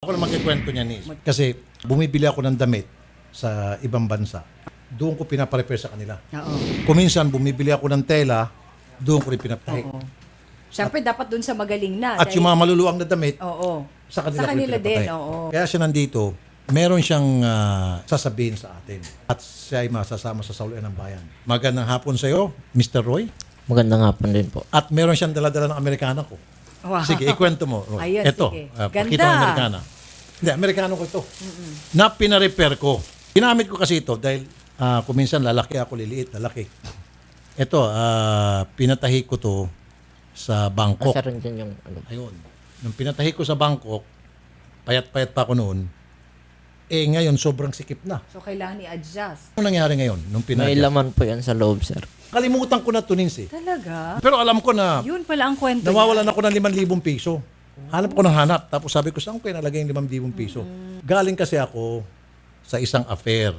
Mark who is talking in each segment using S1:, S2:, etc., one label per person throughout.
S1: Ako lang magkikwento niya, Nis. Kasi bumibili ako ng damit sa ibang bansa. Doon ko pinaparepair sa kanila.
S2: Oo.
S1: Kuminsan, bumibili ako ng tela, doon ko rin pinapatahi.
S2: Oo. Siyempre, dapat dun sa magaling na.
S1: At yung mga maluluwang na damit,
S2: Oo.
S1: sa kanila,
S2: Sa
S1: ko rin
S2: kanila din,
S1: pinapatahi.
S2: oo.
S1: Kaya siya nandito, meron siyang sasabihin sa atin. At siya ay masasama sa saluan ng bayan. Magandang hapon sa iyo, Mr. Roy.
S3: Magandang hapon din po.
S1: At meron siyang daladala ng Amerikana ko.
S2: Wow.
S1: Sige, ikwento mo, Roy.
S2: Ayun,
S1: Ito,
S2: sige.
S1: pakita mo
S2: Ganda.
S1: Amerikana. Hindi, Amerikano ko ito. Na pina-repair ko. Ginamit ko kasi ito dahil kuminsan lalaki ako, liliit, lalaki. Ito, pinatahi ko to sa Bangkok.
S3: Asa rin dyan yung ano.
S1: Ayun. Nung pinatahi ko sa Bangkok, payat-payat pa ako noon, ngayon sobrang sikip na.
S2: So, kailangan i-adjust.
S1: Ano nangyari ngayon nung
S3: May
S1: pinadya?
S3: laman po yan sa loob, sir.
S1: Kalimutan ko na tunin eh.
S2: Talaga?
S1: Pero alam ko na
S2: Yun pala ang kwento
S1: nawawalan ako ng 5,000 piso. Hanap ko ng hanap. Tapos sabi ko, saan ko kaya nalagay yung 5,000 piso? Galing kasi ako sa isang affair.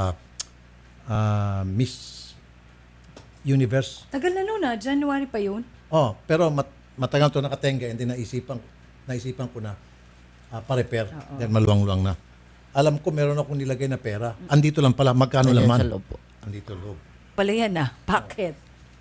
S1: Miss Universe.
S2: Tagal na nun January pa yun.
S1: Oh, pero matagal to nakatenga and then naisipan ko na pa-repair. Then maluwang-luwang na. Alam ko meron akong nilagay na pera. Andito lang pala. Magkano
S3: Nandiyan
S1: laman?
S3: sa loob po.
S1: Andito loob.
S2: Pala yan Packet.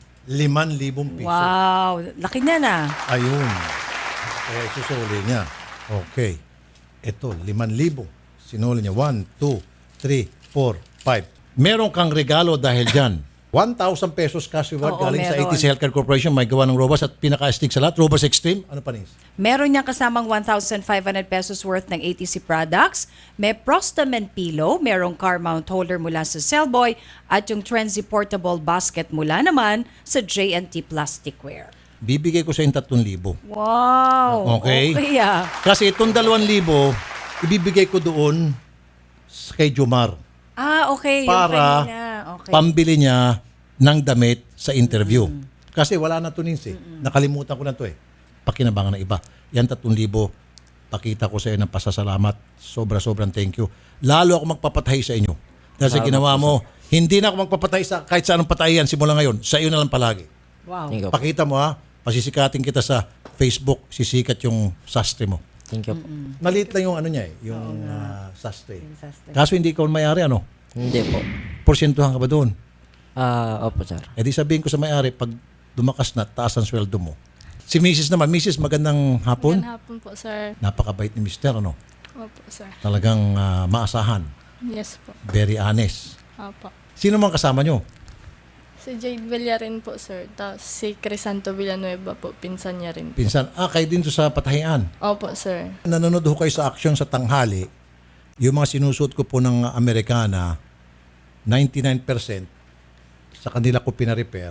S1: 5,000 piso.
S2: Wow. Laki niya na.
S1: Ayun. Kaya isusuli niya. Okay. Ito, 5,000. Sinuli niya. 1, 2, 3, 4, 5. Meron kang regalo dahil dyan. 1,000 pesos cash reward
S2: Oo,
S1: galing sa
S2: meron.
S1: ATC Healthcare Corporation. May gawa ng Robas at pinaka-stick sa lahat. Robas Extreme. Ano pa, Nis?
S2: Meron niyang kasamang 1,500 pesos worth ng ATC products. May Prostamen pillow, merong car mount holder mula sa Cellboy, at yung Trenzy portable basket mula naman sa J&T Plasticware.
S1: Bibigay ko sa yung 3,000.
S2: Wow!
S1: Okay.
S2: Okay
S1: Kasi itong 2,000, ibibigay ko doon kay Jomar
S2: okay. Yung
S1: para
S2: kanina. Okay.
S1: pambili niya ng damit sa interview. Kasi wala na to, Nis, eh. Nakalimutan ko na to eh. Pakinabangan ng iba. Yan 3,000, pakita ko sa iyo ng pasasalamat. Sobrang thank you. Lalo ako magpapatahi sa inyo. Dahil sa ginawa mo, hindi na ako magpapatahi sa kahit sa anong patahian simula ngayon. Sa iyo na lang palagi.
S2: Wow.
S3: Thank you po.
S1: Pakita mo ha, pasisikatin kita sa Facebook, sisikat yung sastre mo.
S3: Thank you po.
S1: Maliit lang yung ano niya eh, yung sastre.
S2: Sastre.
S1: Kaso hindi ikaw may-ari, ano?
S3: Hindi po.
S1: Porsyentuhan ka ba doon?
S3: Opo, sir.
S1: Eh di sabihin ko sa may-ari, pag dumakas na, taas ang sweldo mo. Si Mrs. naman, Mrs. magandang hapon.
S4: Magandang hapon po, sir.
S1: Napakabait ni Mr. Ano?
S4: Opo, sir.
S1: Talagang maasahan.
S4: Yes po.
S1: Very honest.
S4: Opo.
S1: Sino man kasama nyo?
S4: Si Jade Villarin po, sir. Tapos si Crisanto Villanueva po, pinsan niya rin.
S1: Pinsan, kayo din to sa patahian.
S4: Opo, sir.
S1: Nanonood ho kayo sa aksyon sa tanghali. Yung mga sinusuot ko po ng Amerikana, 99% sa kanila ko pina-repair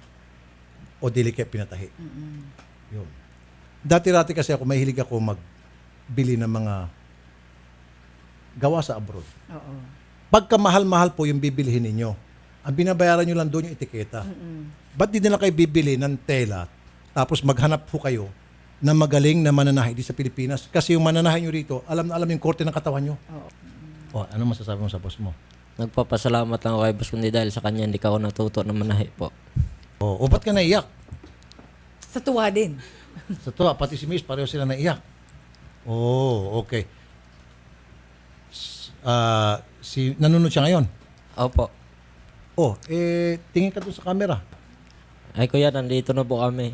S1: o dili kayo pinatahi. Yun. Dati-rati kasi ako, mahilig ako magbili ng mga gawa sa abroad.
S2: Oo.
S1: Pagka mahal-mahal po yung bibilihin ninyo, ang binabayaran nyo lang doon yung etiketa. Ba't di nila kayo bibili ng tela tapos maghanap po kayo na magaling na mananahi di sa Pilipinas? Kasi yung mananahi nyo rito, alam na alam yung korte ng katawan nyo. Ano masasabi mo sa boss mo?
S3: Nagpapasalamat lang ako kay Boss Kundi dahil sa kanya hindi ka ako natuto na manahi po.
S1: O ba't ka naiyak?
S2: Sa tuwa din.
S1: Sa to, pati si Miss, pareho sila naiyak. Okay. Nanunod siya ngayon.
S3: Opo.
S1: Tingin ka doon sa camera.
S3: Ay kuya, nandito na po kami.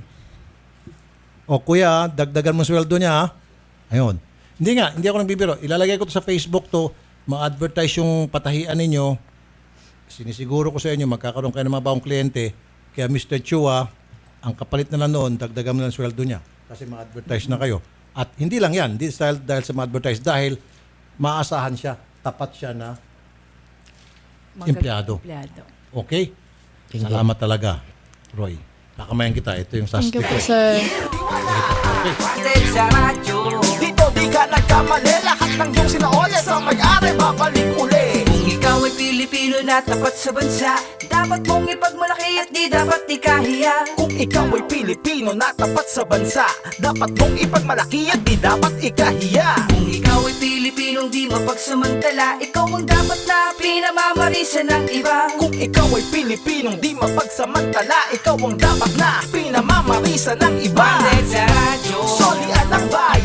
S1: Kuya, dagdagan mo sweldo niya, ha? Ayun. Hindi ako nagbibiro. Ilalagay ko to sa Facebook to, ma-advertise yung patahian ninyo. Sinisiguro ko sa inyo, magkakaroon kayo ng mga baong kliyente. Kaya Mr. Chua, ang kapalit na lang noon, dagdagan mo lang sweldo niya. Kasi ma-advertise na kayo. At hindi lang yan, hindi dahil sa ma-advertise, dahil maasahan siya, tapat siya na empleyado. Okay?
S3: Thank you.
S1: Salamat talaga, Roy. Kakamayan kita. Ito yung
S4: Thank
S1: sastre
S4: you
S1: ko.
S4: po, sir.
S5: Dito di ka nagkamali, lahat ng iyong sinaole sa may-ari babalik uli.
S6: Kung ikaw ay Pilipino na tapat sa bansa, dapat mong ipagmalaki at di dapat ikahiya.
S5: Kung ikaw ay Pilipino na tapat sa bansa, dapat mong ipagmalaki at di dapat ikahiya.
S6: Kung ikaw ay Pilipinong di mapagsamantala, ikaw ang dapat na pinamamarisa ng iba.
S5: Kung ikaw ay Pilipinong di mapagsamantala, ikaw ang dapat na pinamamarisa ng iba.
S6: Bandit sa radyo,
S5: Solian ng bayan.